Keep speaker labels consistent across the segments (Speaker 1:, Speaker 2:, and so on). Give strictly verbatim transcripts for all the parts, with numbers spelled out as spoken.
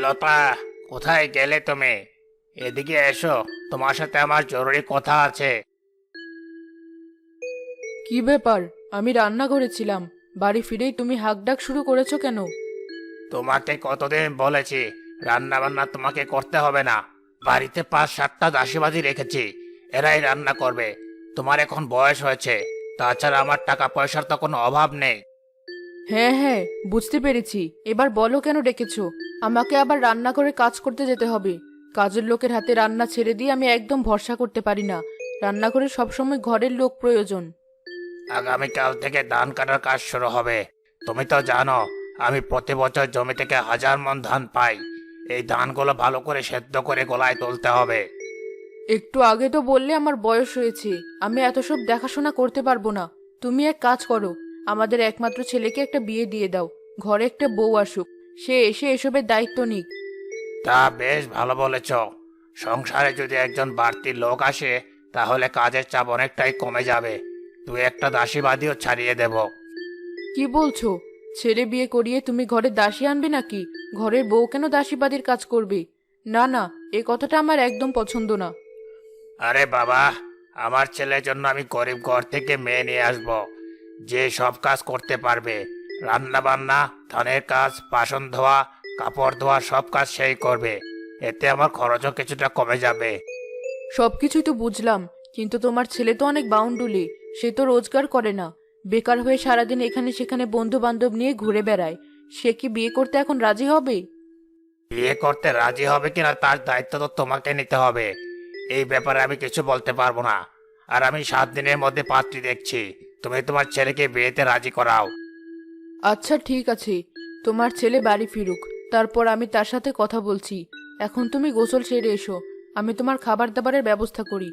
Speaker 1: লতা, কোথায় গেলে তুমি? এদিকে এসো, তোমার সাথে আমার জরুরি কথা আছে।
Speaker 2: কি ব্যাপার? আমি রান্না করেছিলাম, বাড়ি ফিরেই তুমি হাঁকডাক শুরু করেছো কেন?
Speaker 1: তোমাকে কতদিন বলেছি রান্না বান্না তোমাকে করতে হবে না। বাড়িতে পাঁচ সাতটা দাসীবাজি রেখেছি, এরাই রান্না করবে। তোমার এখন বয়স হয়েছে, তাছাড়া আমার টাকা পয়সার তো কোনো অভাব নেই।
Speaker 2: হ্যাঁ হ্যাঁ, বুঝতে পেরেছি। এবার বলো কেন ডেকেছো? আমাকে আবার রান্না করে কাজ করতে যেতে হবে। কাজের লোকের হাতে রান্না ছেড়ে দিয়ে আমি একদম ভরসা করতে পারি না। রান্না করে সবসময় ঘরের লোক প্রয়োজন।
Speaker 1: আগামীকাল থেকে ধান কাটার কাজ শুরু হবে। তুমি তো জানো আমি প্রতি বছর জমি থেকে হাজার মণ ধান পাই। এই ধানগুলো ভালো করে সেদ্ধ করে গোলায় তুলতে হবে।
Speaker 2: একটু আগে তো বললে আমার বয়স হয়েছে, আমি এত সব দেখাশোনা করতে পারবো না। তুমি এক কাজ করো, আমাদের একমাত্র ছেলেকে একটা বিয়ে দিয়ে দাও। ঘরে একটা বউ আসুক, সে এসে এসবের দায়িত্ব নিক।
Speaker 1: তা বেশ ভালো বলেছ। সংসারে যদি একজন বাড়তি লোক আসে তাহলে কাজের চাপ অনেকটাই কমে যাবে। তুই একটা দাসীবাদীও ছাড়িয়ে দেব।
Speaker 2: কি বলছো? ছেলে বিয়ে করিয়ে তুমি ঘরে দাসী আনবে নাকি? ঘরের বউ কেন দাসীবাদীর কাজ করবে? না না, এ কথাটা আমার একদম পছন্দ না।
Speaker 1: আরে বাবা, আমার ছেলের জন্য আমি গরিব ঘর থেকে মেয়ে নিয়ে আসব, যে সব কাজ করতে পারবে। রান্না বান্না, ধানের কাজ, বাসন ধোয়া, কাপড় ধোয়া সব কাজ সেই করবে। এতে আমার খরচও কিছুটা কমে যাবে।
Speaker 2: সবকিছুই তো বুঝলাম, কিন্তু তোমার ছেলে তো অনেক বাউন্ডুলে। সে তো রোজগার করে না, বেকার হয়ে সারাদিন এখানে সেখানে বন্ধু বান্ধব নিয়ে ঘুরে বেড়ায়। সে কি বিয়ে করতে এখন রাজি হবে?
Speaker 1: বিয়ে করতে রাজি হবে কিনা তার দায়িত্ব তো তোমাকে নিতে হবে। এই ব্যাপারে আমি কিছু বলতে পারবো না। আর আমি সাত দিনের মধ্যে পাত্রী দেখছি, তুমি তোমার ছেলেকে বিয়েতে রাজি করাও।
Speaker 2: আচ্ছা ঠিক আছে, তোমার ছেলে বাড়ি ফিরুক, তারপর আমি তার সাথে কথা বলছি। এখন তুমি গোসল সেরে এসো, আমি তোমার খাবার দাবারের ব্যবস্থা করি।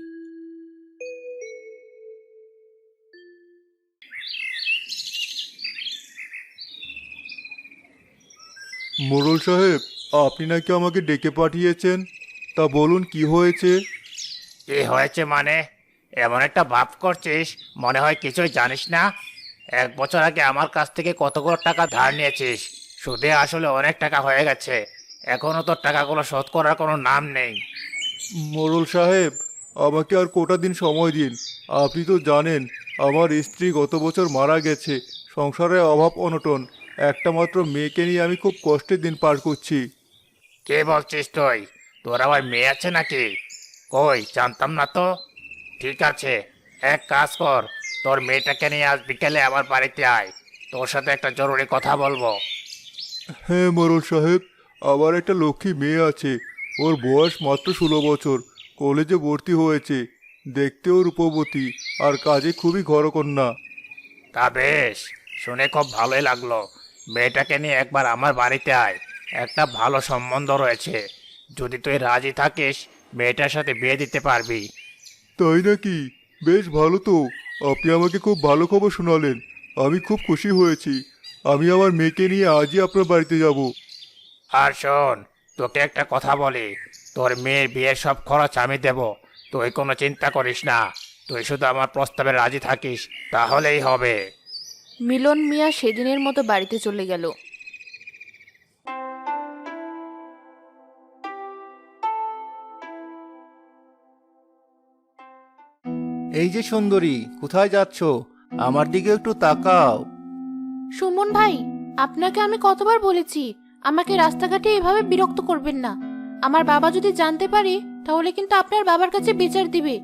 Speaker 3: মোড়ল সাহেব, আপনি নাকি আমাকে ডেকে পাঠিয়েছেন? তা বলুন কি হয়েছে?
Speaker 1: কি হয়েছে মানে? এমন একটা ভাব করছিস মনে হয় কিছুই জানিস না। এক বছর আগে আমার কাছ থেকে কতগুলো টাকা ধার নিয়েছিস, সুদে আসলে অনেক টাকা হয়ে গেছে। এখনো তোর টাকাগুলো শোধ করার কোনো নাম নেই।
Speaker 3: মোড়ল সাহেব, আমাকে আর কটা দিন সময় দিন। আপনি তো জানেন আমার স্ত্রী গত বছর মারা গেছে। সংসারে অভাব অনটন, একটা মাত্র মেয়েকে নিয়ে আমি খুব কষ্টের দিন পার করছি।
Speaker 1: কে বলছিস তুই? তোর আবার মেয়ে আছে নাকি? কই, জানতাম না তো। ঠিক আছে, এক কাজ কর, তোর মেয়েটাকে নিয়ে আজ বিকেলে আমার বাড়িতে আয়। তোর সাথে একটা জরুরি কথা বলবো।
Speaker 3: হ্যাঁ মোড়ল সাহেব, আমার একটা লক্ষ্মী মেয়ে আছে। ওর বয়স মাত্র ষোলো বছর, কলেজে ভর্তি হয়েছে। দেখতেও রূপবতী, আর কাজে খুবই ঘরকন্যা।
Speaker 1: তা বেশ, শুনে খুব ভালোই লাগলো। মেয়েটাকে নিয়ে একবার আমার বাড়িতে আয়। একটা ভালো সম্বন্ধ রয়েছে, যদি তুই রাজি থাকিস মেয়েটার সাথে বিয়ে দিতে পারবি।
Speaker 3: তাই নাকি? বেশ ভালো তো। আপনি আমাকে খুব ভালো খবর শোনালেন, আমি খুব খুশি হয়েছি। আমি আমার মেয়েকে নিয়ে আজই আপনার বাড়িতে যাব।
Speaker 1: আর শোন, তোকে একটা কথা বলি, তোর মেয়ের বিয়ের সব খরচ আমি দেব। তুই কোনো চিন্তা করিস না, তুই শুধু আমার প্রস্তাবে রাজি থাকিস তাহলেই হবে।
Speaker 2: মিলন মিয়া সেদিনের মতো বাড়িতে চলে গেল।
Speaker 4: এই যে সুন্দরী, কোথায় যাচ্ছ? আমার দিকে একটু তাকাও।
Speaker 5: সুমন ভাই, আপনাকে আমি কতবার বলেছি আমাকে রাস্তাঘাটে এভাবে বিরক্ত করবেন না। আমার বাবা যদি জানতে পারে তাহলে কিন্তু আপনার বাবার কাছে বিচার দিবে।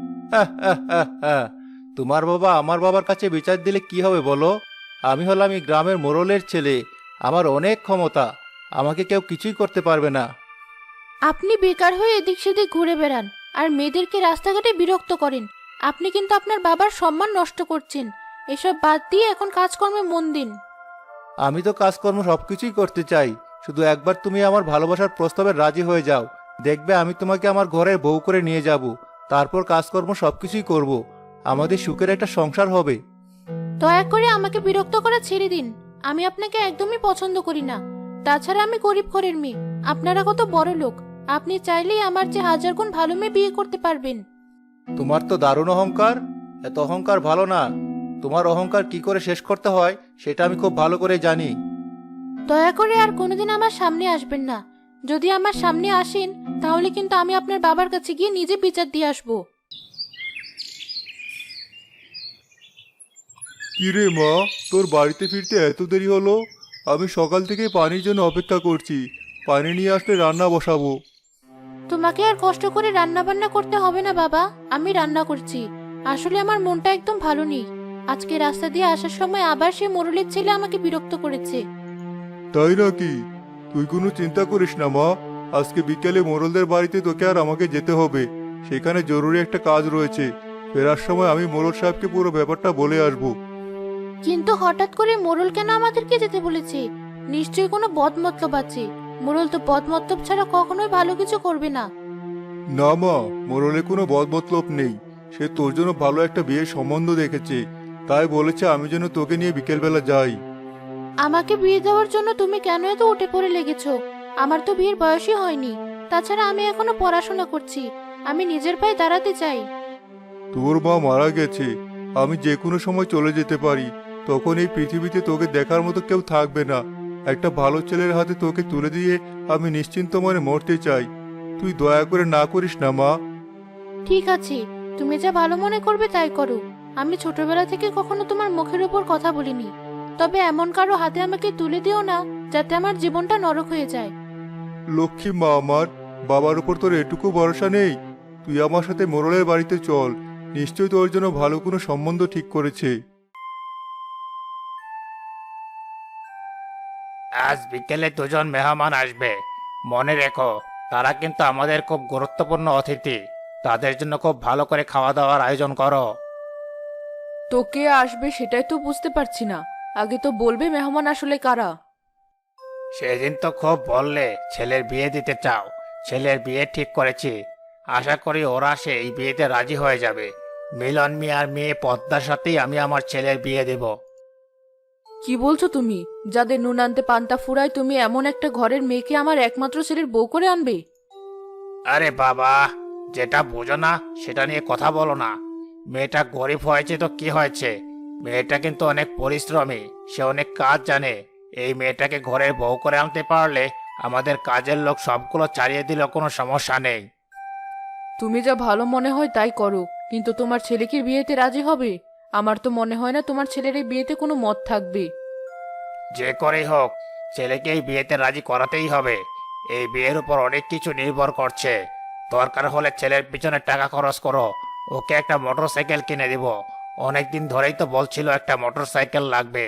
Speaker 4: তোমার বাবা আমার বাবার কাছে বিচার দিলে কি হবে বলো? আমি হলাম এই গ্রামের মোড়লের ছেলে, আমার অনেক ক্ষমতা, আমাকে কেউ কিছুই করতে পারবে না।
Speaker 5: আপনি বেকার হয়ে এদিক সেদিক ঘুরে বেড়ান আর মেয়েদেরকে রাস্তাঘাটে বিরক্ত করেন। আপনি কিন্তু আপনার বাবার সম্মান নষ্ট করছেন। এসব বাদ দিয়ে এখন কাজকর্মে মন দিন।
Speaker 4: আমি তো কাজকর্ম সবকিছুই করতে চাই, শুধু একবার তুমি আমার ভালোবাসার প্রস্তাবে রাজি হয়ে যাও। দেখবে আমি তোমাকে আমার ঘরের বউ করে নিয়ে যাব, তারপর কাজকর্ম সবকিছুই করব। আমাদের সুখের একটা সংসার হবে।
Speaker 5: দয়া করে আমাকে বিরক্ত করা ছেড়ে দিন। আমি আপনাকে একদমই পছন্দ করি না। তাছাড়া আমি গরিব ঘরের মেয়ে, আপনারা কত বড় লোক। আপনি চাইলেই আমার যে হাজার গুণ ভালো মেয়ে বিয়ে করতে পারবেন।
Speaker 4: তোমার তো দারুণ অহংকার। এত অহংকার ভালো না। তোমার অহংকার কি করে শেষ করতে হয় সেটা আমি খুব ভালো করে জানি।
Speaker 5: দয়া করে আর কোনোদিন আমার সামনে আসবেন না। যদি আমার সামনে আসেন তাহলে কিন্তু আমি আপনার বাবার কাছে গিয়ে নিজে বিচার দিয়ে আসবো।
Speaker 3: কিরে মা, তোর বাড়িতে ফিরতে এত দেরি হলো? আমি সকাল থেকে পানির জন্য অপেক্ষা করছি। পানি নিয়ে আসলে রান্না বসাবো।
Speaker 5: তোমাকে আর কষ্ট করে রান্না বান্না করতে হবে না বাবা, আমি রান্না করছি। আসলে আমার মনটা একদম ভালো নেই। আজকে রাস্তা দিয়ে আসার সময় আবার সে মোড়লের ছেলে আমাকে বিরক্ত করেছে।
Speaker 3: তাই নাকি? তুই কোনো চিন্তা করিস না মা, আজকে বিকেলে মোড়লদের বাড়িতে তোকে আর আমাকে যেতে হবে। সেখানে জরুরি একটা কাজ রয়েছে। ফেরার সময় আমি মোড়ল সাহেবকে পুরো ব্যাপারটা বলে আসবো।
Speaker 5: কিন্তু হঠাৎ করে মোড়ল কেন আমাদেরকে যেতে বলেছে? নিশ্চয়ই কোনো বদমতলব আছে। মোড়ল তো বদমতলব ছাড়া কখনোই ভালো কিছু করবে না।
Speaker 3: না মা, মোড়লে কোনো বদমতলব নেই। সে তোর জন্য ভালো একটা বিয়ের সম্বন্ধ দেখেছে, তাই বলেছে আমি যেন তোকে নিয়ে বিকেলবেলা যাই।
Speaker 5: আমাকে বিয়ে দেওয়ার জন্য তুমি কেন এত উঠে পড়ে লেগেছো? আমার তো বিয়ের বয়সই হয়নি। তাছাড়া আমি এখনো পড়াশোনা করছি। আমি নিজের পায়ে দাঁড়াতে চাই।
Speaker 3: তোর মা মারা গেছে, আমি যে কোনো সময় চলে যেতে পারি। তখন এই পৃথিবীতে তোকে দেখার মতো কেউ থাকবে না। একটা ভালো ছেলের হাতে তোকে তুলে দিয়ে আমি নিশ্চিন্ত মনে মরতে চাই। তুই দয়া করে না করিস না মা।
Speaker 5: ঠিক আছে, তুমি যা ভালো মনে করবে তাই করো। আমি ছোটবেলা থেকে কখনো তোমার মুখের উপর কথা বলিনি। তবে এমন কারো হাতে আমাকে তুলে দিও না যাতে আমার জীবনটা নরক হয়ে যায়।
Speaker 3: লক্ষ্মী মা আমার, বাবার উপর তোর এটুকু ভরসা নেই? তুই আমার সাথে মোড়লের বাড়িতে চল, নিশ্চয়ই তোর জন্য ভালো কোনো সম্বন্ধ ঠিক করেছে।
Speaker 1: আজ বিকেলে দুজন মেহমান আসবে, মনে রেখো। তারা কিন্তু আমাদের খুব গুরুত্বপূর্ণ অতিথি। তাদের জন্য খুব ভালো করে খাওয়া দাওয়ার আয়োজন করো।
Speaker 2: তো কে আসবে সেটাই তো বুঝতে পারছি না। আগে তো বলবে মেহমান আসলে কারা।
Speaker 1: সেদিন তো খুব বললে ছেলের বিয়ে দিতে চাও। ছেলের বিয়ে ঠিক করেছি। আশা করি ওরা সে এই বিয়েতে রাজি হয়ে যাবে। মিলন মিয়ার মেয়ে পদ্মার সাথেই আমি আমার ছেলের বিয়ে দেব।
Speaker 2: কি বলছো তুমি? যাদের নুন আনতে পান্তা ফুরায় তুমি এমন একটা ঘরের মেয়েকে আমার একমাত্র ছেলের বউ করে আনবে?
Speaker 1: আরে বাবা, যেটা বোঝো না সেটা নিয়ে কথা বলো না। মেয়েটা গরিব হয়েছে তো কি হয়েছে? মেয়েটা কিন্তু অনেক পরিশ্রমী, সে অনেক কাজ জানে। এই মেয়েটাকে ঘরের বউ করে আনতে পারলে আমাদের কাজের লোক সবগুলো ছাড়িয়ে দিলেও কোনো সমস্যা নেই।
Speaker 2: তুমি যা ভালো মনে হয় তাই করো, কিন্তু তোমার ছেলে কি বিয়েতে রাজি হবে? আমার তো মনে হয় না তোমার ছেলের এই বিয়েতে কোনো মত থাকবে।
Speaker 1: যে করেই হোক, ছেলেকে এই বিয়েতে রাজি করাতেই হবে। এই বিয়ের উপর অনেক কিছু নির্ভর করছে। দরকার হলে ছেলের পিছনে টাকা খরচ করো, ওকে একটা মোটর সাইকেল কিনে দিব। অনেকদিন ধরেই তো বলছিল একটা মোটর সাইকেল লাগবে।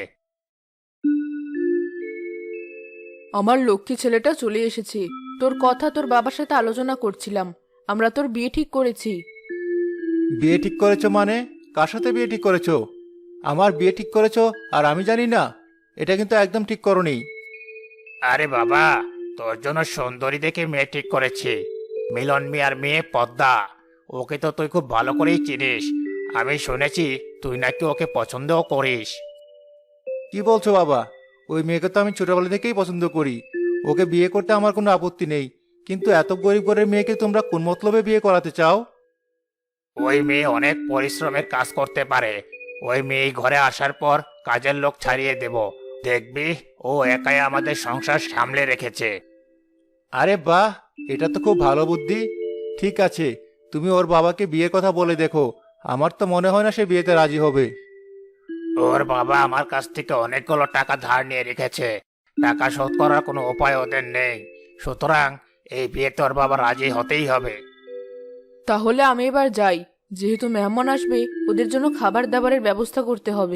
Speaker 2: আমার লক্ষ্মী ছেলেটা চলে এসেছে। তোর কথা তোর বাবার সাথে আলোচনা করছিলাম। আমরা তোর বিয়ে ঠিক করেছি।
Speaker 4: বিয়ে ঠিক করেছো মানে? কার সাথে বিয়ে ঠিক করেছো? আমার বিয়ে ঠিক করেছো আর আমি জানি না? এটা কিন্তু একদম ঠিক করোনি।
Speaker 1: আরে বাবা, তোর জন্য সুন্দরী দেখে মেয়ে ঠিক করেছি। মিলন মিয়ার মেয়ে পদ্মা। ওকে তো তুই খুব ভালো করেই চিনিস। আমি শুনেছি তুই নাকি ওকে পছন্দও করিস।
Speaker 4: কি বলছো বাবা? ওই মেয়েকে তো আমি ছোটবেলা থেকেই পছন্দ করি। ওকে বিয়ে করতে আমার কোনো আপত্তি নেই, কিন্তু এত গরিব ঘরের মেয়েকে তোমরা কোন মতলবে বিয়ে করাতে চাও?
Speaker 1: ওই মেয়ে অনেক পরিশ্রমের কাজ করতে পারে। ওই মেয়ে ঘরে আসার পর কাজের লোক ছাড়িয়ে দেব। দেখবি ও একাই আমাদের সংসার সামলে রেখেছে।
Speaker 4: আরে বাহ, এটা তো খুব ভালো বুদ্ধি। ঠিক আছে, তুমি ওর বাবাকে বিয়ের কথা বলে দেখো। আমার তো মনে হয় না সে বিয়েতে রাজি হবে।
Speaker 1: ওর বাবা আমার কাছ থেকে অনেকগুলো টাকা ধার নিয়ে রেখেছে। টাকা শোধ করার কোনো উপায় ওদের নেই। সুতরাং এই বিয়েতে ওর বাবা রাজি হতেই হবে।
Speaker 2: তাহলে আমি এবার যাই। যেহেতু মেহমান আসবে, ওদের জন্য খাবার দাবারের ব্যবস্থা করতে হবে।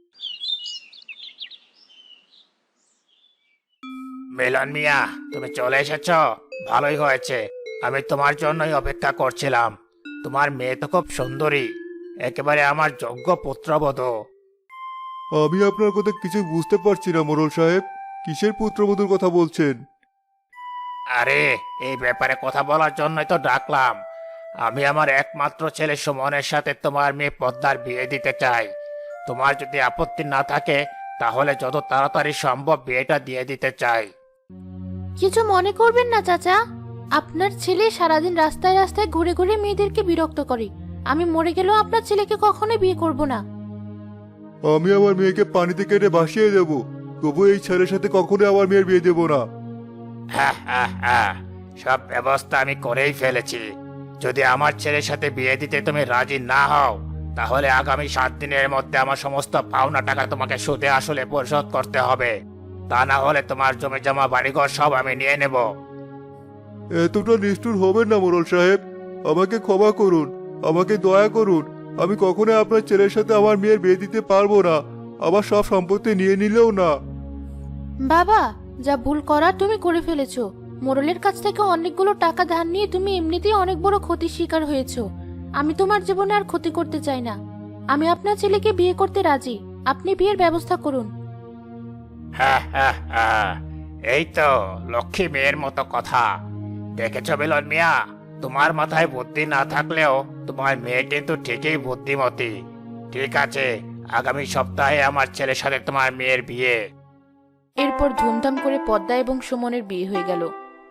Speaker 1: মিলন মিয়া, তুমি চলে এসেছ, ভালোই হয়েছে। আমি তোমার জন্যই অপেক্ষা করছিলাম। তোমার মেয়ে তো খুব সুন্দরী, একেবারে আমার যোগ্য পুত্রবধূ।
Speaker 3: আমি আপনার কথা কিছু বুঝতে পারছি না মোড়ল সাহেব। কিসের পুত্রবধূর কথা বলছেন?
Speaker 1: আরে, এই ব্যাপারে কথা বলার জন্যই তো ডাকলাম। আমি আমার একমাত্র ছেলে সুমনের সাথে তোমার মেয়ে পদ্মার বিয়ে দিতে চাই। তোমার যদি আপত্তি না থাকে তাহলে যত তাড়াতাড়ি সম্ভব বিয়েটা দিয়ে দিতে চাই।
Speaker 5: কিছু মনে করবেন না চাচা। আপনার ছেলে সারাদিন রাস্তায় রাস্তায় ঘুরে ঘুরে মেয়েদেরকে বিরক্ত করে। আমি মরে গেলেও আপনার ছেলেকে কখনোই বিয়ে করব না।
Speaker 3: আমি আমার মেয়েকে পানিতে কেটে ভাসিয়ে দেব, তবু এই ছেলের সাথে কখনো আমার মেয়ের বিয়ে দেব না।
Speaker 1: হ্যাঁ হ্যাঁ হ্যাঁ, সব ব্যবস্থা আমি করেই ফেলেছি। যদি আমার ছেলের সাথে বিয়ে দিতে তুমি রাজি না হও, তাহলে আগামী সাত দিনের মধ্যে আমার সমস্ত পাওনা টাকা তোমাকে সুদে আসলে পরিশোধ করতে হবে। তা না হলে তোমার জমি জমা বাড়িঘর সব আমি নিয়ে নেব।
Speaker 3: এতটা নিষ্ঠুর হবেন না মোড়ল সাহেব, আমাকে ক্ষমা করুন, আমাকে দয়া করুন। আমি কখনোই আপনার ছেলের সাথে আমার মেয়ের বিয়ে দিতে পারবো না, আমার সব সম্পত্তি নিয়ে নিলেও না।
Speaker 5: বাবা, যা ভুল করার তুমি করে ফেলেছো। মোড়লের কাছ থেকে অনেকগুলো টাকা ধার নিয়ে তুমি এমনিতেই অনেক বড় ক্ষতির শিকার হয়েছো। আমি তোমার জীবনে আর ক্ষতি করতে চাই না। আমি আপনার ছেলেকে বিয়ে করতে রাজি। আপনি বিয়ের ব্যবস্থা করুন।
Speaker 1: হ্যাঁ হ্যাঁ হ্যাঁ, এই তো লক্ষ্মী মেয়ের মতো কথা। দেখেছ মিলন মিয়া, তোমার মাথায় বুদ্ধি না থাকলেও তোমার মেয়ে কিন্তু ঠিকই বুদ্ধিমতী। ঠিক আছে, আগামী সপ্তাহে আমার ছেলের সাথে তোমার মেয়ের বিয়ে।
Speaker 2: এরপর ধুমধাম করে পদ্মা এবং সুমনের বিয়ে হয়ে গেল।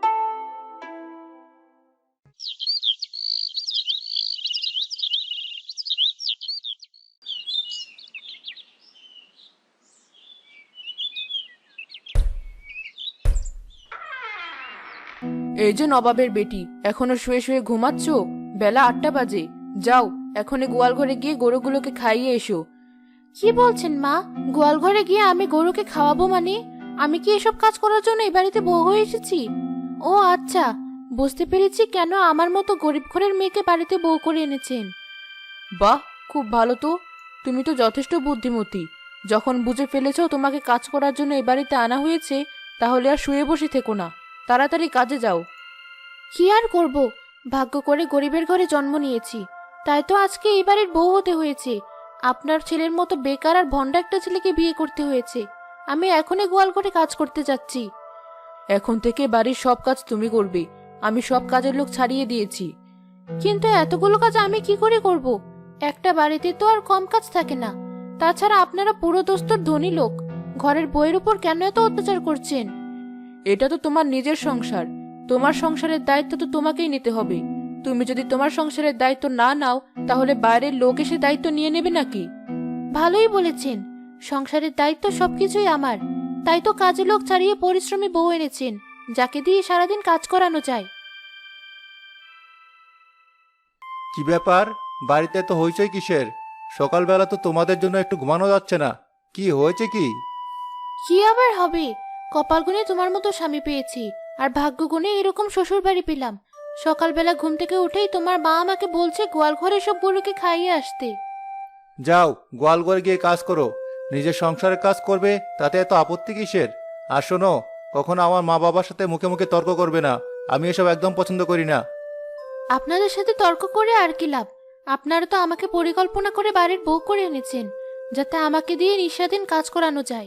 Speaker 2: এই যে নবাবের বেটি, এখনো শুয়ে শুয়ে ঘুমাচ্ছ? বেলা আটটা বাজে। যাও, এখনই গোয়াল ঘরে গিয়ে গরুগুলোকে খাইয়ে এসো।
Speaker 5: কি বলছেন মা? গোয়াল ঘরে গিয়ে আমি গরুকে খাওয়াবো মানে? আমি কি এসব কাজ করার জন্য এই বাড়িতে বউ হয়ে এসেছি? ও আচ্ছা, বুঝতে পেরেছি কেন আমার মতো গরিব ঘরের মেয়েকে বাড়িতে বউ করে এনেছেন।
Speaker 2: বাহ, খুব ভালো তো। তুমি তো যথেষ্ট বুদ্ধিমতী। যখন বুঝে ফেলেছ তোমাকে কাজ করার জন্য এই বাড়িতে আনা হয়েছে, তাহলে আর শুয়ে বসে থেকো না, তাড়াতাড়ি কাজে যাও।
Speaker 5: কি আর করব, ভাগ্য করে গরিবের ঘরে জন্ম নিয়েছি, তাই তো আজকে এই বাড়ির বউ হতে হয়েছে। আপনার ছেলের মতো বেকার আর ভন্ডা একটা ছেলেকে বিয়ে করতে হয়েছে। আমি এখনই গোয়াল ঘরে কাজ করতে যাচ্ছি।
Speaker 2: এখন থেকে বাড়ির সব কাজ তুমি করবে। আমি সব কাজের লোক ছাড়িয়ে দিয়েছি।
Speaker 5: কিন্তু এতগুলো কাজ আমি কি করে করব? একটা বাড়িতে তো আর কম কাজ থাকে না। তাছাড়া আপনারা পুরো দোস্তর ধনী লোক, ঘরের বইয়ের উপর কেন এত অত্যাচার করছেন?
Speaker 2: এটা তো তোমার নিজের সংসার, তোমার সংসারের দায়িত্ব তো তোমাকেই নিতে হবে। তুমি যদি তোমার সংসারের দায়িত্ব না নাও, তাহলে বাইরের লোক এসে দায়িত্ব নিয়ে নেবে নাকি?
Speaker 5: ভালোই বলেছেন, সংসারের দায়িত্ব সবকিছুই আমার। তাই তো কাজে লোক ছাড়িয়ে পরিশ্রমী বউ এনেছেন, যাকে দিয়ে সারাদিন কাজ করানো যায়।
Speaker 4: কি ব্যাপার, বাড়িতে তো হইচই কিসের? সকালবেলা তো তোমাদের জন্য একটু ঘুমানো যাচ্ছে না, কি হয়েছে কি?
Speaker 5: কি আবার হবে, কপাল গুনে তোমার মতো স্বামী পেয়েছি, আর ভাগ্য গুনে এরকম শ্বশুর বাড়ি পেলাম। সকালবেলা ঘুম থেকে উঠেই তোমার মা আমাকে বলছে গোয়াল ঘরে সব গরুকে খাইয়ে আসতে।
Speaker 4: যাও, গোয়াল ঘরে গিয়ে কাজ করো। নিজের সংসারের কাজ করবে, তাতে এত আপত্তি কিসের? আর শোনো, কখনো আমার মা বাবার সাথে মুখে মুখে তর্ক করবে না, আমি এসব একদম পছন্দ করি না।
Speaker 5: আপনাদের সাথে তর্ক করে আর কি লাভ? আপনারা তো আমাকে পরিকল্পনা করে বাড়ির বউ করে এনেছেন, যাতে আমাকে দিয়ে নিঃস্বাধীন কাজ করানো যায়।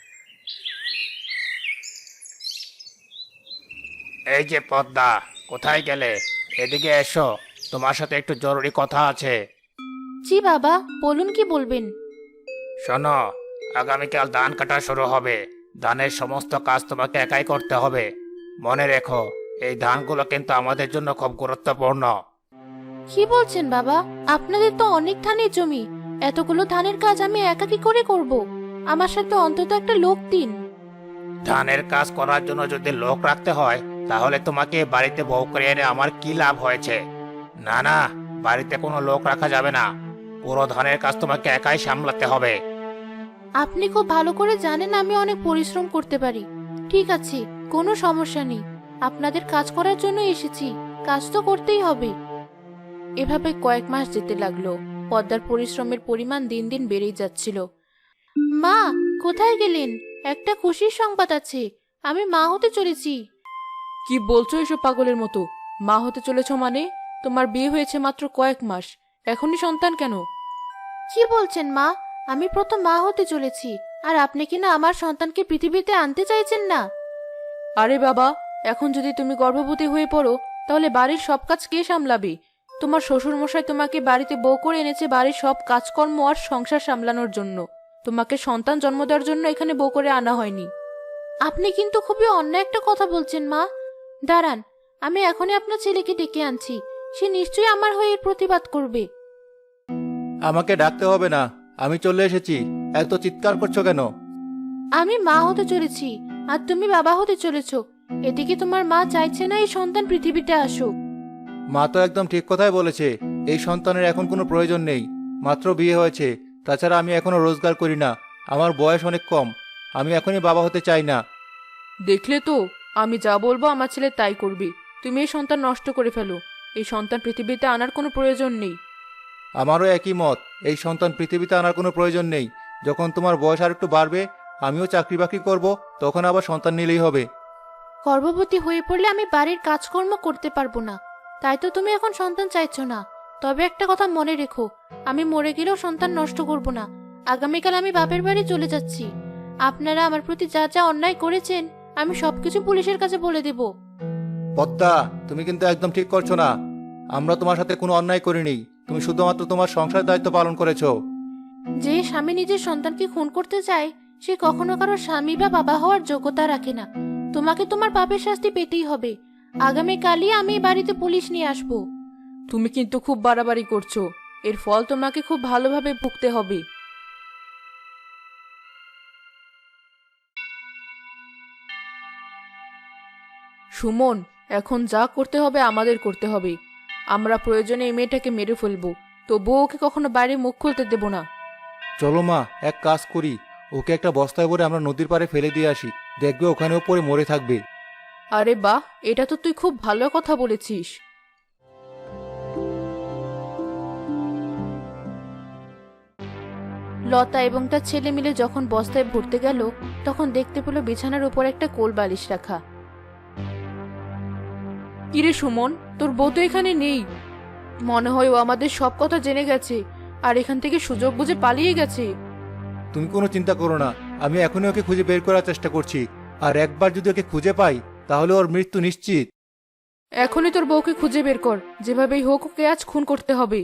Speaker 1: এই যে পদ্মা, কোথায় গেলে? এদিকে এসো, তোমার সাথে একটু জরুরি কথা আছে।
Speaker 5: জি বাবা, বলুন কি বলবেন।
Speaker 1: শোনো, আগামীকাল ধান কাটা শুরু হবে। ধানের সমস্ত কাজ তোমাকে একাই করতে হবে। মনে রেখো, এই ধানগুলো কিন্তু আমাদের জন্য খুব গুরুত্বপূর্ণ।
Speaker 5: কি বলছেন বাবা? আপনাদের তো অনেক ধানের জমি, এতগুলো ধানের কাজ আমি একা কি করে করব? আমার সাথে অন্তত একটা লোক দিন।
Speaker 1: ধানের কাজ করার জন্য যদি লোক রাখতে হয়, তাহলে তোমাকে বাড়িতে বউ করে এনে আমার কি লাভ হয়েছে? না না, বাড়িতে কোনো লোক রাখা যাবে না। পুরো ধানের কাজ তোমাকে একাই সামলাতে হবে।
Speaker 5: আপনি খুব ভালো করে জানেন আমি অনেক পরিশ্রম করতে পারি। ঠিক আছে, কোনো সমস্যা নেই। আপনাদের কাজ করার জন্য এসেছি, কাজ তো করতেই হবে।
Speaker 2: এভাবে কয়েক মাস যেতে লাগলো। পদ্মার পরিশ্রমের পরিমাণ দিন দিন বেড়েই যাচ্ছিল।
Speaker 5: মা, কোথায় গেলেন? একটা খুশির সংবাদ আছে, আমি মা হতে চলেছি।
Speaker 2: কি বলছো এসব পাগলের মতো? মা হতে চলেছ মানে? তোমার বিয়ে হয়েছে মাত্র কয়েক মাস, এখনই সন্তান কেন?
Speaker 5: কি বলছেন মা? আমি প্রথম মা হতে চলেছি, আর আপনি কিনা আমার সন্তানকে পৃথিবীতে আনতে চাইছেন না?
Speaker 2: আরে বাবা, এখন যদি তুমি গর্ভবতী হয়ে পড়ো, তাহলে বাড়ির সব কাজ কে সামলাবে? তোমার শ্বশুর মশাই তোমাকে বাড়িতে বউ করে এনেছে বাড়ির সব কাজকর্ম আর সংসার সামলানোর জন্য। তোমাকে সন্তান জন্ম দেওয়ার জন্য এখানে বউ করে আনা হয়নি।
Speaker 5: আপনি কিন্তু খুবই অন্যায় একটা কথা বলছেন মা। দাঁড়ান, আমি এখনই আপনার ছেলেকে ডেকে আনছি, সে নিশ্চয়ই আমার হয়ে এর প্রতিবাদ করবে।
Speaker 4: আমাকে ডাকতে হবে না, আমি চলে এসেছি। এত চিৎকার করছো কেন?
Speaker 5: আমি মা হতে চলেছি, আর তুমি বাবা হতে চলেছো। এদিকে তোমার মা চাইছে না এই সন্তান পৃথিবীতে আসুক।
Speaker 4: মা তো একদম ঠিক কথাই বলেছে, এই সন্তানের এখন কোনো প্রয়োজন নেই। মাত্র বিয়ে হয়েছে, তাছাড়া আমি এখনো রোজগার করি না, আমার বয়স অনেক কম, আমি এখনই বাবা হতে চাই না।
Speaker 2: দেখলে তো, আমি যা বলবো আমার ছেলে তাই করবে। তুমি এই সন্তান নষ্ট করে ফেলো। এই সন্তান পৃথিবীতে আনার কোনো প্রয়োজন নেই।
Speaker 4: আমারও একই মত, এই সন্তান পৃথিবীতে আনার কোনো প্রয়োজন নেই। যখন তোমার বয়স আর একটু বাড়বে, আমিও চাকরি বাকরি করবো, তখন আবার সন্তান নিলেই হবে।
Speaker 5: গর্ভবতী হয়ে পড়লে আমি বাড়ির কাজকর্ম করতে পারবো না, তাই তো তুমি এখন সন্তান চাইছো না। তবে একটা কথা মনে রেখো, আমি মরে গেলেও সন্তান নষ্ট করব না। আগামীকাল আমি বাপের বাড়ি চলে যাচ্ছি। আপনারা আমার প্রতি যা যা অন্যায় করেছেন আমি সবকিছু পুলিশের কাছে বলে দেব।
Speaker 4: পদ্মা, তুমি কিন্তু একদম ঠিক করছো না। আমরা তোমার সাথে কোনো অন্যায় করিনি, তুমি শুধুমাত্র তোমার সংসার দায়িত্ব পালন করেছো।
Speaker 5: যে স্বামী নিজের সন্তানকে খুন করতে চায় সে কখনো কারো স্বামী বা বাবা হওয়ার যোগ্যতা রাখে না। তোমাকে তোমার পাপের শাস্তি পেতেই হবে। আগামীকালই আমি এই বাড়িতে পুলিশ নিয়ে আসবো।
Speaker 2: তুমি কিন্তু খুব বাড়াবাড়ি করছো। এর ফল তোমাকে খুব ভালোভাবে ভুগতে হবে। সুমন, এখন যা করতে হবে আমাদের করতে হবে। আমরা প্রয়োজনে এই মেয়েটাকে মেরে ফেলবো, তবুও ওকে কখনো বাইরে মুখ খুলতে দেব না।
Speaker 4: চলো মা, এক কাজ করি, ওকে একটা বস্তায় ভরে আমরা নদীর পাড়ে ফেলে দিয়ে আসি, দেখবে ওখানেও পরে মরে থাকবে।
Speaker 2: আরে বাহ, এটা তো তুই খুব ভালো কথা বলেছিস।
Speaker 5: লতা এবং তার ছেলে মিলে যখন বস্তায় ভরতে গেল তখন দেখতে পেল বিছানার উপর একটা কোল বালিশ রাখা।
Speaker 2: কিরে সুমন, তোর বউ তো এখানে নেই। মনে হয় ও আমাদের সব কথা জেনে গেছে আর এখান থেকে সুযোগ বুঝে পালিয়ে গেছে।
Speaker 4: তুমি কোনো চিন্তা করো না, আমি এখনই ওকে খুঁজে বের করার চেষ্টা করছি, আর একবার যদি ওকে খুঁজে পাই তাহলে ওর মৃত্যু নিশ্চিত।
Speaker 2: এখনই তোর বউকে খুঁজে বের কর, যেভাবেই হোক ওকে আজ খুন করতে হবে।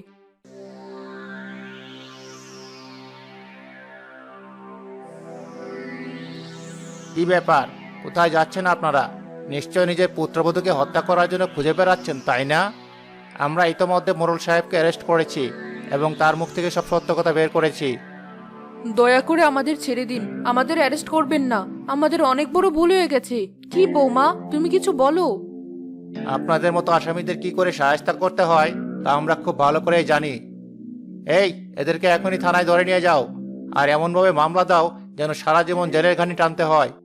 Speaker 4: কি ব্যাপার, কোথায় যাচ্ছেন আপনারা? নিশ্চয় নিজের পুত্রবধূকে হত্যা করার জন্য খুঁজে বেড়াচ্ছেন, তাই না? আমরা ইতোমধ্যে মোরল সাহেবকে অ্যারেস্ট করেছি এবং তার মুখ থেকে সব সত্য কথা বের করেছি।
Speaker 2: দয়া করে আমাদের ছেড়ে দিন, আমাদের অ্যারেস্ট করবেন না। আমাদের অনেক বড় ভুল হয়ে গেছে। কি বৌমা, তুমি কিছু বলো।
Speaker 4: আপনাদের মতো আসামিদের কি করে সাহায্য করতে হয় তা আমরা খুব ভালো করেই জানি। এই, এদেরকে এখনই থানায় ধরে নিয়ে যাও, আর এমনভাবে মামলা দাও যেন সারা জীবন জেলের ঘানি টানতে হয়।